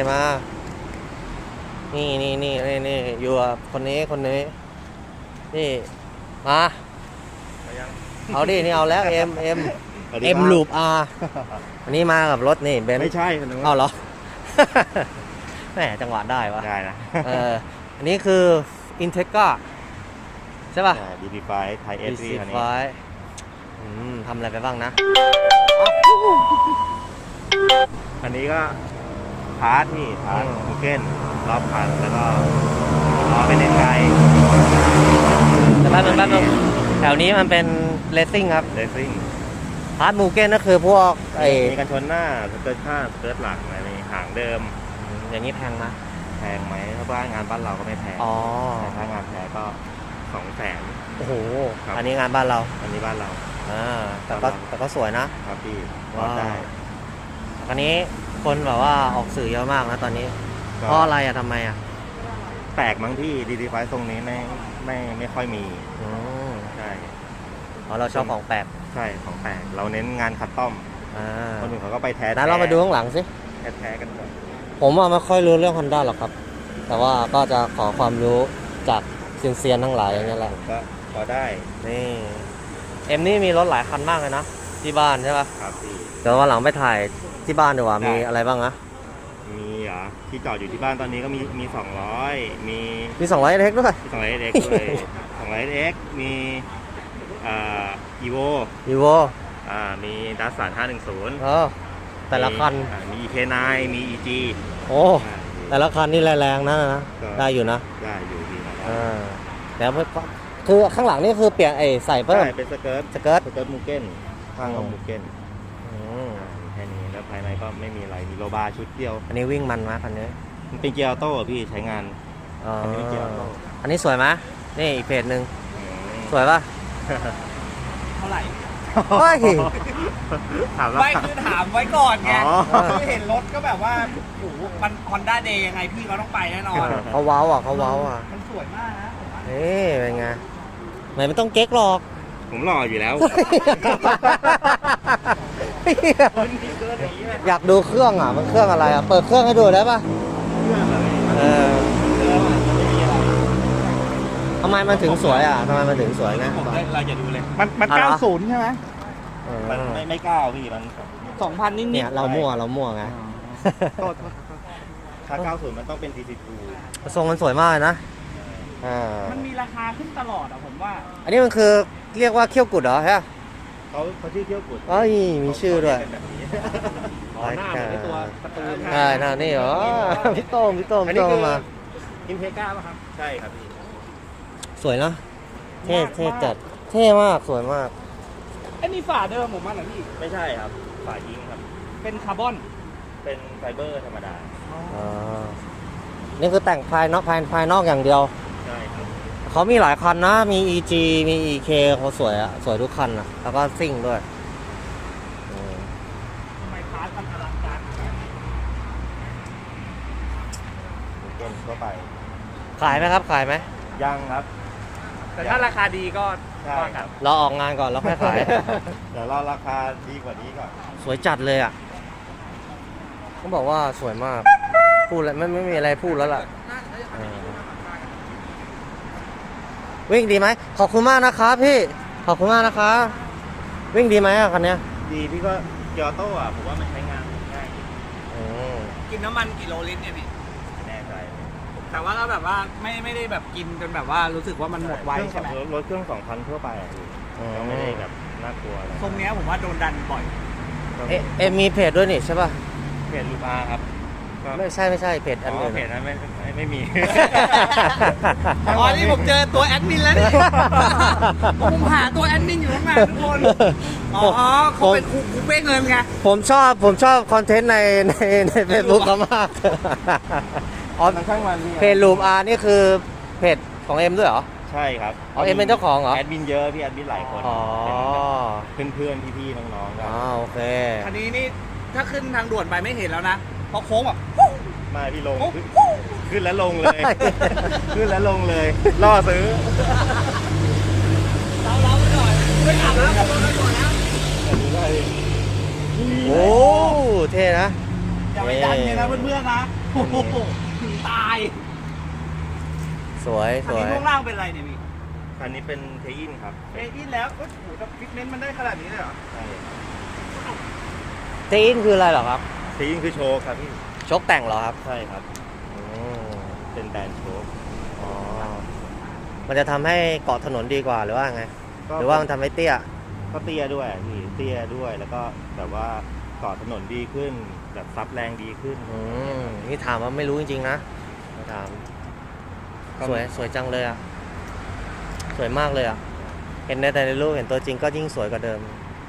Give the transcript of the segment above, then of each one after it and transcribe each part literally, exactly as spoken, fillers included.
มา นี่นี่นี่นี่นี่อยู่กับคนนี้คนนี้ นี่ มา เอาดิ นี่เอาแล้ว M M M Loop R อันนี้มากับรถนี่เบนซ์ไม่ใช่เอาเหรอ แหมจังหวะได้วะได้นะเออ อันนี้คือ Integra ใช่ป่ะดี ดี ไฟ Type เอส วี คันนี้อืมทำอะไรไปบ้างนะอันนี้ก็พาร์ทที่พาร์ทมูเก้นรอบคันแล้วก็ล้อเป็นเอ็นไกแต่แป๊บนึงแป๊บนึงแถวนี้มันเป็นเลสซิ่งครับเรซิ่งพาร์ทมูเก้นก็คือพวกไอมีกันชนหน้าสเกิร์ตข้างสเกิร์ตหลังอะไรนี่หางเดิมอย่างนี้แพงนะแพงไหมถ้าบ้านงานบ้านเราก็ไม่แพงอ๋อแต่ถ้างานแพงก็สองแสนโอ้โหครับอันนี้งานบ้านเราอันนี้บ้านเราอ่าแต่ก็แต่ก็สวยนะครับพี่รว้าอวดได้อันนี้คนแบบว่าออกสื่อเยอะมากนะตอนนี้ก็เพราะอะไรอะทำไมอะแปลกมั้งพี่ดีดีไฟตรงนี้ไม่ไม่ไม่ค่อยมีอืมใช่เพราะเราชอบของแปลกใช่ของแปลกเราเน้นงานคัสตอมอ่าคนอื่นเขาก็ไปแท้นั้นเรามาดูข้างหลังสิแท้แท้กันหมดผมอะไม่ค่อยรู้เรื่อง Honda หรอกครับ แต่ว่าก็จะขอความรู้จากเซียนๆทั้งหลายอย่างเงี้ยแหละผมก็พอได้นี่เอ็มนี่มีรถหลายคันมากเลยนะที่บ้านใช่ปะครับพี่เดี๋ยววันหลังไปถ่ายที่บ้านดีกว่าได้มีอะไรบ้างนะมีเหรอที่จอดอยู่ที่บ้านตอนนี้ก็มีมีสองร้อยมีมีสองร้อยเล็กด้วยสองร้อยเอ็กซ์ด้วยสองร้อยเอ็กซ์มีอ่าอีโวอีโวอ่ามีดัสสันห้าหนึ่งศูนย์เออแต่ละคันมี อี เค ไนน์ มี อี จีโอ้แต่ละคันนี่แรงๆนะนะ ได้อยู่นะได้อยู่ดีนะอ่าแล้วคือข้างหลังนี่คือเปลี่ยนไอ้ใส่เพิ่มใช่เป็นสเกิร์ตสเกิร์ตสเกิร์ตมูเก้นข้างของมูเก้นอืมแค่นี้แล้วภายในก็ไม่มีอะไรมีโลบาร์ชุดเดียวอันนี้วิ่งมันไหมคันนี้มันเป็นเกียร์ออโต้อะพี่ใช้งานอ๋ออันนี้ไม่เกี่ยวอันนี้สวยไหมนี่อีกเพจหนึ่งอืมสวยป่ะเท่าไหร่เฮ้ยถามแล้วไม่คือถามไว้ก่อนไงอ๋อคือเห็นรถก็แบบว่าโอ้โหมันฮอนด้าเดย์ยังไงพี่เขาต้องไปแน่นอนเขาเว้าอ่ะเขาเว้าอ่ะมันสวยมากนะผมว่านี่เป็นไงไม่ไม่ต้องเก๊กหรอกผมหล่ออยู่แล้วอยากดูเครื่องอ่ะมันเครื่องอะไรอ่ะเปิดเครื่องให้ดูได้ป่ะเออทำไมมันถึงสวยอ่ะทำไมมันถึงสวยนะผมได้เราจะดูเลยมันมันอ๋อเหรอเก้าสิบใช่ไหมเออมันไม่ไม่ก้าวพี่มันสองพันนิดๆเนี่ยเรามั่วเรามั่วไงโทษถ้าเก้าสิบมันต้องเป็น ซี ซี ทูทรงมันสวยมากเลยนะอ่ามันมีราคาขึ้นตลอดอะผมว่าอันนี้มันคือเรียกว่าเขี้ยวกุดเหรอฮะเขาเขาชื่อเที่ยวกุดเอ้ยมีชื่อด้วยเขาเรีกกันแบบนี้อ๋อหน้าเหมือนไอ้ตัวการ์ตูนใช่หน้านี่เหรอพี่โต้งพี่โต้งอันพี่นี้โต้งคือมาอินเทก้าป่ะครับใช่ครับพี่สวยนะเท่มากเท่มากจัดเท่มากสวยมากไอ้นี่ฝาเดิมผมมันเหรอพี่ไม่ใช่ครับฝายิงครับเป็นคาร์บอนเป็นไฟเบอร์ธรรมดาอ่านี่คือแต่งภายนอกภายภายนอกอย่างเดียวใช่ครับเขามีหลายคันนะ มี อี จี มี อี เค เขาสวยอะสวยทุกคันอะแล้วก็ซิ่งด้วยอืมทำไมพาร์ทมันอลังการเกนก็ไปขายไหมครับ ขายไหมยังครับแต่ถ้าราคาดีก็ใช่ก็ครับเราออกงานก่อนแล้วค่อยขายเดี๋ยวรอราคาดีกว่านี้ก่อนสวยจัดเลยอะต้องบอกว่าสวยมาก พูดแล้วไม่ไม่มีอะไรพูดแล้วล่ะเออวิ่งดีไหม ขอบคุณมากนะครับพี่ ขอบคุณมากนะครับ วิ่งดีไหมอะคันเนี้ยดีพี่ก็เกียร์ออโต้อะผมว่ามันใช้งานง่ายดีอืมกินน้ำมันกี่โลลิตรเนี่ยพี่ไม่แน่ใจแต่ว่าก็แบบว่าไม่ไม่ได้แบบกินจนแบบว่ารู้สึกว่ามันหมดไวใช่ไหมเครื่องรถเครื่องสองพันทั่วไปอะพี่ก็ไม่ได้แบบน่ากลัวอะไรทรงเนี้ยผมว่าโดนดันบ่อยเอะเอ็มมีเพจด้วยนี่ใช่ป่ะเพจลูกอาครับก็ไม่ใช่ไม่ใช่เพจอันอ๋อื่อน เพจนั้นไม่ไม่ไม่มีอ๋อนี่ผมเจอตัวแอดมินแล้วนี่ ผมหาตัวแอดมินอยู่ตั้งนานทุกคน อ๋อเขาเป็นครูครูเป้เงินไงผมชอบผมชอบคอนเทนต์ในในในเฟซบุ๊กเขามาก อ๋อมันช่างมันพี่เพจลูปอาร์นี่คือเพจของเอ็มด้วยเหรอใช่ครับอ๋อเอ็มเป็นเจ้าของเหรอแอดมินเยอะพี่แอดมินหลายคนอ๋อเป็นเพื่อนๆพี่ๆน้องๆคอ๋รัอบ โอเคคันนี้นี่ถ้าขึ้นทางด่วนไปไม่เห็นแล้วนะ เพราะโค้งแบบมาพี่ลงขึ้นขึ้นแล้วลงเลย ขึ้นแล้วลงเลย ล่อซื้อเราเราไปหน่อยไม่ขับแล้วผมไปก่อนแล้วอันนี้ก็โอ้เท่นะอย่าไปดันเลยนะเพื่อนๆนะโอ้โหถึงตายสวยสอันวนี้ยช่วงล่างเป็นอะไรเนี่ยพี่อันนี้เป็นเทอินครับเออินแล้วโอ้โหแต่ฟิตเมนต์มันได้ขนาดนี้เลยเหรอใช่เทอินคืออะไรเหรอครับเทอินคือโชว์ครับพี่ชกแต่งเหรอครับใช่ครับอืมเป็นแบรนด์โชว์อ๋อมันจะทำให้เกาะถนนดีกว่าหรือว่าไง หรือว่ามันทำให้เตี้ยก็เตี้ยด้วยพี่เตี้ยด้วยแล้วก็แบบว่าเกาะถนนดีขึ้น แบบซับแรงดีขึ้นอืมนี่ถามว่าไม่รู้จริงๆนะถามก็สวยสวยจังเลยอ่ะ สวยมากเลยอ่ะ เห็นในแต่ในรูปเห็นตัวจริงก็ยิ่งสวยกว่าเดิม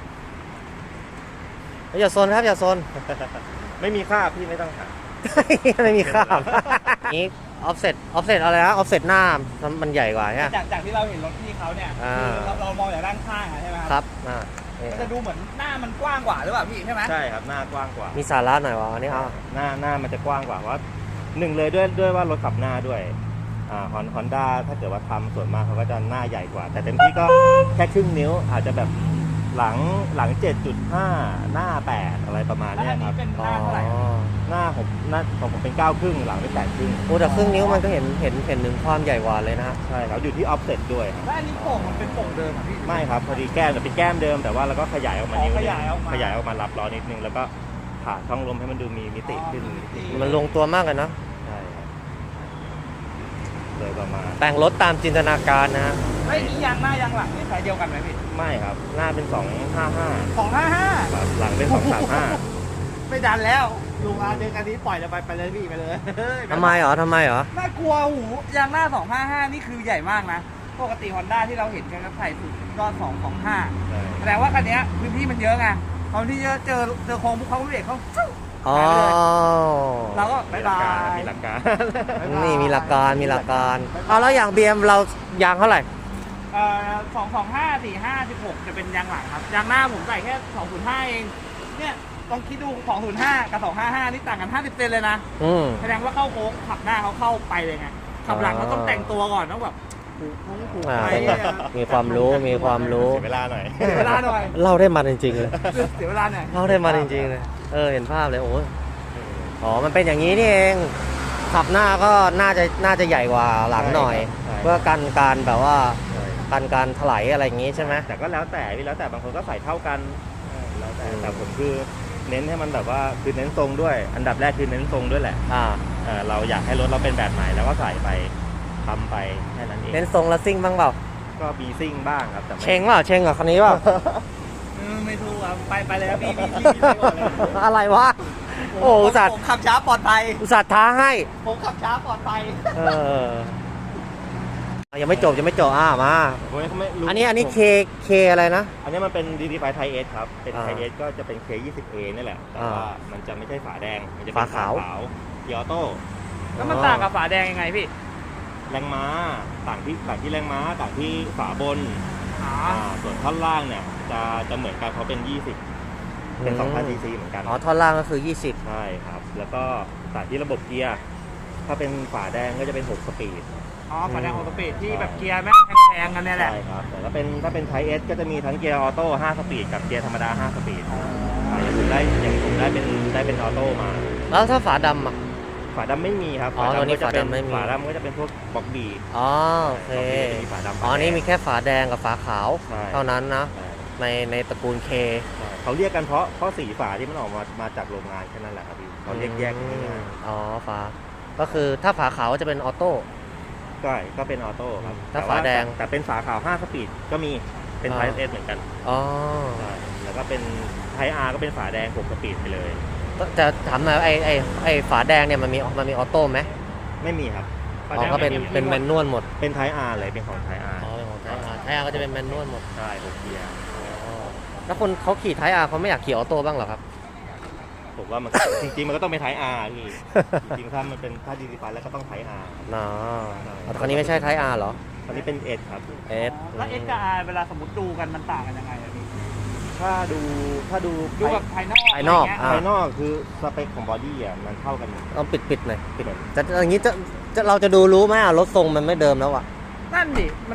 เฮ้ยอย่าโซนครับอย่าโซนไม่มีค่าพี่ไม่ต้องหาไม่มีข้าม นี่ออฟเซ็ตออฟเซ็ตอะไรนะออฟเซ็ตหน้ามันใหญ่กว่าใช่ไหมจากจากที่เราเห็นรถพี่เขาเนี่ยอ่าคือเราเรามองจากด้านข้างอะใช่ไหมครับอ่านี่มันจะดูเหมือนหน้ามันกว้างกว่าหรือเปล่าพี่ใช่ไหมใช่ครับหน้ากว้างกว่ามีสาระหน่อยวะอันนี้อ่ะหน้าหน้ามันจะกว้างกว่าเพราะว่าหนึ่งเลยด้วยด้วยว่ารถขับหน้าด้วยอ่าฮอนฮอนด้าถ้าเกิดว่าทำส่วนมากเขาก็จะหน้าใหญ่กว่า แต่เต็มที่ก็แค่ครึ่งนิ้วอาจจะแบบหลังหลัง เจ็ดจุดห้า หน้า แปด อะไรประมาณแล้วเนี้อัยนคนี้รับเป็นหอ๋อน้าเท่าไหร่หน้าผมหน้าของผมเป็นเก้าครึ่งหลังเป็นแปดครึ่งโอ้แต่ครึ่งนิ้วมันก็เห็นเห็นเห็นถึงความใหญ่กว่าเลยนะฮะใช่ครับอยู่ที่ออฟเซ็ตด้วยครับแล้วอันนี้โป่งมันเป็นโป่งเดิมอ่ะพี่ไม่ครับพอดีแก้มแต่เป็นแก้มเดิมแต่ว่าเราก็ขยายออกมาอ๋อนิ้วหขนึ่งยายออกมาขยายออกมารับล้อนิดนึงแล้วก็ผ่าช่องลมให้มันดูมีมิติขึ้นมันลงตัวมากเลยเนาะใช่ครับโดยประมาณแต่งรถตามจินตนาการนะฮะเฮ้ยนี่ยางหน้ายางหลังนี่สายเดียวกันไหมพี่ไม่ครับหน้าเป็นสองห้าห้าสองห้าห้าครับหลังเป็นสองสามห้าไม่ดันแล้วลุงอาเดินอันนี้ปล่อยเลยไปไปเลยพี่ไปเลยเฮ้ยทำไมเหรอทำไมเหรอน่ากลัวหูยางหน้าสองห้าห้านี่คือใหญ่มากนะปกติฮอนด้าที่เราเห็นกันก็ใส่สุดก็สองสองห้าใช่แสดงว่าคันเนี้ยพื้นที่มันเยอะไงตอนที่เจอเจอเจอโค้งพวกเขาเบรกเขาฟิวอ๋อเราก็มีบายหลักบาการยมีหลักการนี่มีหลักการมีหลักการเอาแล้วอย่าง บี เอ็ม เรายางเท่าไหร่เอ่อสองสองห้าสี่ห้าสิบหกจะเป็นยางหลังครับยางหน้าผมใส่แค่สองศูนย์ห้าเองเนี่ยต้องคิดดูสองศูนย์ห้ากับสองห้าห้านี่ต่างกันห้าสิบเซนเลยนะอืมแสดงว่าเข้าโค้งขับหน้าเขาเข้าไปเลยไงขับหลังอ๋อเขาต้องแต่งตัวก่อนต้องแบบผูกโค้งผูกอ่าไปเนี่ยมีความรู้มีความรู้เสียเวลาหน่อยเสียเวลาหน่อยเล่าได้มันจริงๆเลยเสียเวลาหน่อยเล่าได้มันจริงๆเลย เออเห็นภาพเลยโอ้ยอ๋อมันเป็นอย่างนี้นี่เองขับหน้าก็น่าจะน่าจะใหญ่กว่าหลังหน่อยใช่เพื่อกันการแบบว่าใช่กันการถลายอะไรอย่างงี้ใช่ไหมแต่ก็แล้วแต่พี่แล้วแต่บางคนก็ใส่เท่ากันเออแล้วแต่อืมแต่ผมคือเน้นให้มันแบบว่าคือเน้นทรงด้วย อันดับแรกคือเน้นทรงด้วยแหละอ่าเออเราอยากให้รถเราเป็นแบบไหนแล้วก็ใส่ไปทำไปแค่นั้นเองเน้นทรงและซิ่งบ้างเปล่าก็บีซิ่งบ้างครับแต่ไม่เชงเปล่าเชงกับคันนี้เปล่าเออไม่ถูกครับไปไปเลยครับพี่พี่พี่ไปก่อนเลยอะไรวะ โอ้อุตส่าห์ผมขับช้าปลอดภัยอุตส่าห์ท้าให้ผมขับช้าปลอดภัยเออยังไม่จบยังไม่จบอ่ามาผมไม่ไม่รู้อันนี้อันนี้เคเคอะไรนะอันนี้มันเป็น ดี ดี ไฟ ไทยเอสครับ เป็นอ่าไทยเอสก็จะเป็น เค ยี่สิบเอ นี่แหละ แต่อ่าว่ามันจะไม่ใช่ฝาแดง มันจะเป็นฝาขาวเกียร์ออโต้แล้วมันต่างกับฝาแดงยังไงพี่แรงม้า ต่างที่ต่างที่แรงม้า ต่างที่ฝาบนอ๋ออ่าส่วนท่อนล่างเนี่ย จะจะเหมือนกันเพราะเป็น ยี่สิบ เป็นสองพันซีซีเหมือนกันอ๋อท่อนล่างก็คือยี่สิบใช่ครับ แล้วก็ต่างที่ระบบเกียร์ ถ้าเป็นฝาแดงก็จะเป็นหกสปีดอ๋อฝาแดงอืมออโตเปดที่แบบเกียร์แม่งแพงๆกันเนี่ยแหละใช่ครับ แต่ถ้าเป็นถ้าเป็นไทยเอสก็จะมีทั้งเกียร์ออโต้ห้าสปีดกับเกียร์ธรรมดาห้าสปีดอ่าอย่างผมได้อย่างผมได้เป็นได้เป็นออโต้มาแล้วถ้าฝาดำอ่ะฝาดำไม่มีครับอ๋อตัวนี้ก็จะเป็นฝาดำไม่มีฝาดำก็จะเป็นพวกบ็อกบีอ๋อโอเคจะมีฝาดำอ๋อนี่มีแค่ฝาแดงกับฝาขาวใช่เท่านั้นนะใช่ในในตระกูลเคใช่เขาเรียกกันเพราะเพราะสีฝาที่มันออกมามาจากโรงงานแค่นั้นแหละครับพี่เขาเรียกแยกง่ายอ๋อฝา ก็คือถ้าฝาขาวจะเป็นออโต้ๆก็ก็เป็นออโต้ครับถ้าต่ฝาแดงแต่เป็นฝาขาวห้าสปีดก็มีเป็นอ่าไทเอสเหมือนกันอ๋อใช่แล้วก็เป็นไทอาร์ก็เป็นฝาแดงหกสปีดไปเลยจะถามหน่อยไอไอไอฝาแดงเนี่ยมันมีมันมีออโต้ไหมไม่มีครับอ๋อก็เป็นเป็นแมนนวลหมดเป็นไทอาร์เลยเป็นของไทอาร์อ๋อเป็นของไทยอาร์ไทยอาร์ก็จะเป็นแมนนวลหมดใช่หกเกียร์อ๋อแล้วคนเขาขี่ไทยอาร์เขาไม่อยากขี่ออโต้บ้างเหรอครับผมว่ามัน จริงๆมันก็ต้องเป็นไทอาร์พี่จริงๆถ้ามันเป็นถ้าดีดีไฟแล้วก็ต้องไทอาร์อ๋อแต่คันนี้ไม่ใช่ไทยอาร์เหรออันนี้เป็นเอสครับเอสแล้วเอสกับอาร์เวลาสมมติดูกันมันต่างกันยังไงอะพี่ถ้าดูถ้าดูดูแบบภายนอกภายนอกะไรเงี้ยอ่าภายนอกคือสเปคของบอดี้อ่ะมันเท่ากันหมดต้องปิดปิดหน่อยปิดหมดจะอย่างนี้จะจะเราจะดูรู้ไหมอ่ะรถทรงมันไม่เดิมแล้วอ่ะนั่นดิมันดู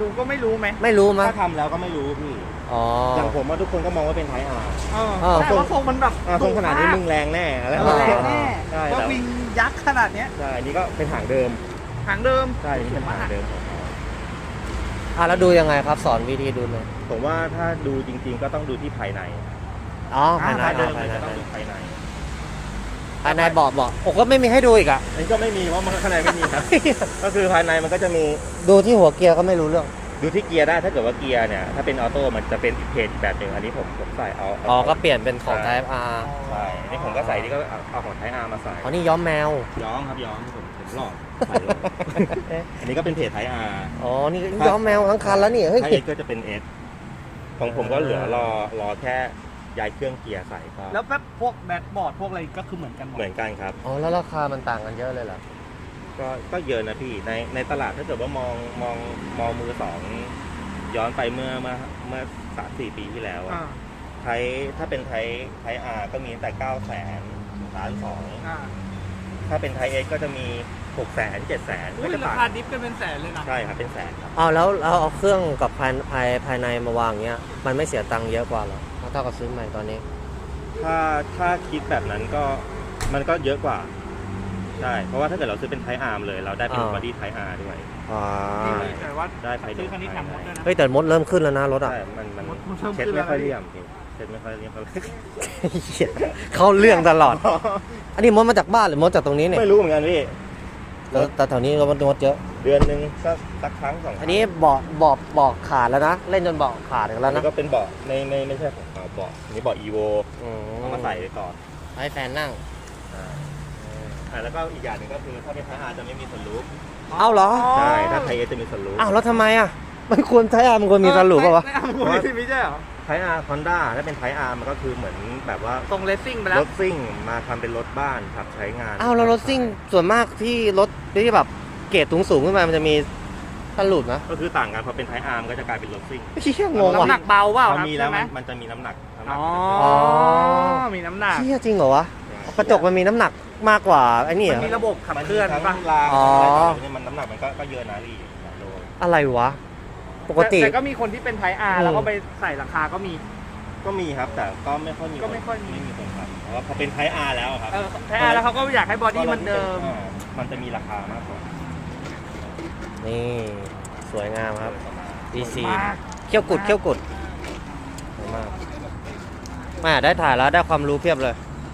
ดูก็ไม่รู้ไหมไม่รู้มั้ยถ้าทำแล้วก็ไม่รู้พี่อ๋ออย่างผมว่าทุกคนก็มองว่าเป็นไทยอาร์เออเออแต่ว่าทรงมันแบบตรงขนาดนี้มึงแรงแน่อะไรเออแรงแน่ใช่ว่าแต่วิงยักษ์ขนาดเนี้ยใช่อันนี้ก็เป็นหางเดิมหางเดิมใช่นี่เป็นหางเดิมของเขาอ่ะแล้วดูยังไงครับสอนวิธีดูเลยผมว่าถ้าดูจริง ๆ ก็ต้องดูที่ภายในอ๋อภายในถ้าเดิมภายในจะต้องดูภายในภายในเบาะเบาะโอ้ก็ไม่มีให้ดูอีกอ่ะอันนี้ก็ไม่มีว่ามันข้างในไม่มีครับ ก็คือภายในมันก็จะมีดูที่หัวเกียร์ก็ไม่รู้เรื่องดูที่เกียร์ได้ถ้าเกิดว่าเกียร์เนี่ยถ้าเป็นออโต้มันจะเป็นอีกเพจอีกแบบหนึ่งอันนี้ผมผมใส่เอาเาอ๋อก็เปลี่ยนเป็นของ Type R ใช่นี่ผมก็ใส่นี่ก็เอาเอาของไทยอาร์มาใส่อ๋อนี่ย้อมแมวย้อมครับย้อมผมผมหลอกใส่หลอกอันนี้ก็เป็นเพจไทยอาร์อ๋อนี่ย้อมแมวทั้งคันแล้วนี่เฮ้ยถ้าเอสก็จะเป็นเอสของผมก็เหลือรอรอแค่ย้ายเครื่องเกียร์ใส่ก็แล้วแป๊บพวกแบตบอร์ดพวกอะไรก็คือเหมือนกันหมดเหมือนกันครับอ๋อแล้วราคามันต่างกันเยอะเลยเหรอก็ก็เยอะนะพี่ในในตลาดถ้าเกิดว่ามองมองมองมือสองย้อนไปเมื่อเมื่อเมื่อสามสี่ปีที่แล้วอะอ่าไทยถ้าเป็นไทยไทยอาร์ก็มีตั้งแต่เก้าแสนล้านสองอ่าถ้าเป็นไทยเอสก็จะมีหกแสนเจ็ดแสนอุ้ก็ยจะราต่างคาดิฟกันเป็นแสนเลยนะใช่ครับเป็นแสนครับอ๋อแล้วเราเอาเครื่องกับภายภายภายในมาวางเงี้ยมันไม่เสียตังค์เยอะกว่าเหรอเท่ากับซื้อใหม่ตอนนี้ถ้าถ้าคิดแบบนั้นก็มันก็เยอะกว่าใช่เพราะว่าถ้าเกิดเราซื้อเป็นไทยอาร์มเลย เราได้เป็นอ่าบอดี้ไทยอาร์ด้วยอ๋อนี่แต่ว่าได้ไฟซื้อคันนี้แถมหมดด้วยนะเฮ้ยแต่มดเริ่มขึ้นแล้วนะรถอ่ะใช่มันมันมันเพิ่มเช็ดขึ้นไม่ค่อยแล้วเรียมพี่เช็ดไม่ค่อยเรียมเท่าไหร่เหี้ยเข้าเรื่องตลอด อันนี้มดมาจากบ้านหรือมดจากตรงนี้เนี่ยไม่รู้เหมือนกันพี่แต่แต่แถวนี้ก็มดเยอะเดือนหนึ่งสักสักครั้งสองครั้งอันนี้เบาะเบาะเบาะขาดแล้วนะ เล่นจนเบาะขาดกันอัแล้นวนี้นะก็เป็นเบาะไม่ไม่ไม่ใช่ของเขาเบาะอันนี้เบาะอีโวอืเอามาใส่ไว้ก่อนให้แฟนนั่งอ่าแล้วก็อีกอย่างหนึ่งก็คือถ้าเป็นไทยอาร์จะไม่มีสลูปเอ้าเหรอใช่ถ้าไทยเอสจะมีสลูปอ้าวแล้วทำไมอ่ะมันควรใช้อะมันควรมีสรุปป่าวะไม่เอาไม่ไม่ไม่ใช่เหรอไทยอาร์ฮอนด้าถ้าเป็นไทยอาร์มันก็คือเหมือนแบบว่าทรงเลสซิ่งไปแล้รวถซิ่งมาทำเป็นรถบ้านขับใช้งานอ้าวแล้วรถซิ่งส่วนมากที่รถที่แบบเกรดสูงๆขึ้นมามันจะมีสรุปนะก็คือต่างกันพอเป็นไทยอาร์มันก็จะกลายเป็นรถซิ่งเฮียงงน้ำหนัว่ะกเบาเปล่าพคอรับมีแล้วใช่ไหมมันมันจะมีน้ำหนักน้ำหนักอ๋ออ๋อมีน้ำหนักเฮียจริงเหรอวะกระจกมันมีน้ำหนักมากกว่าไอ้นี่เหรมันอมีระบบขับเคลื่อนทั้งป่ะรางอ๋ออะไรต่างๆเนี่ยมันน้ำหนักมันก็ก็เยอะนะพี่หลายโลอะไรวะ ปกติแต่ก็มีคนที่เป็นไทยอาอืร์มแล้วก็ไปใส่ราคาก็มีก็มีครับแต่ก็ไม่ค่อยมีก็ไม่ค่อยมีไม่มีคนครับเพราะว่าพอเป็นไทยอาร์แล้วครับเออไทยอาร์แล้วเขาก็อยากให้บอดี้มันเดิมอ่ามันจะมีราคามากกว่านี่สวยงามครับ ดีซีมากเขี้ยวกุดเขี้ยวกุดสวยมากแม่ได้ถ่ายแล้วได้ความรู้เพียบเลย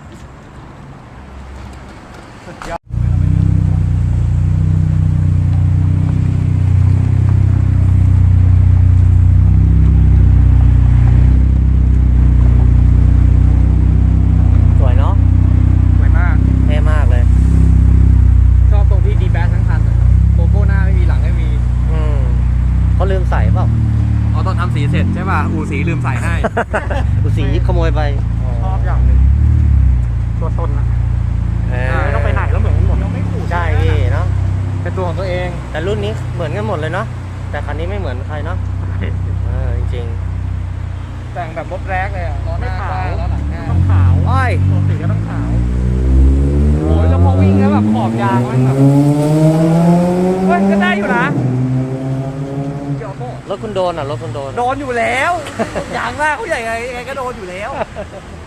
สวยเนาะสวยมากเท่มากเลยชอบตรงที่ดีแบสทั้งคันโกโก้หน้าไม่มีหลังไม่มีอืมเขาลืมใส่เปล่าอ๋อตอนทำสีเสร็จใช่ป่ะ อู่สีลืมใส่ให้อุสีขโมยไปชอบอย่างหนึ่งตัวตนนะเออไม่ต้องไปไหนแล้วเหมือนกันหมดยังไม่ขูดใช่พี่เนาะเป็นตัวของตัวเองแต่รุ่นนี้เหมือนกันหมดเลยเนาะ แต่คันนี้ไม่เหมือนใครเนาะ เออจริงแต่งแบบรถแรกเลยอ่ะล้อหน้าไม่ขาวล้อหลังหน้าต้องขาวๆอ้อยปกติก็ต้องขาว โอ้ยแล้วพอวิ่งแล้วแบบขอบยางมันแบบเฮ้ยก็ได้อยู่นะเกี่ยวโต้รถคุณโดนอ่ะ รถคุณโดนโดนอยู่แล้ว ยางหน้าเขาใหญ่ไงยังไงก็โดนอยู่แล้วเ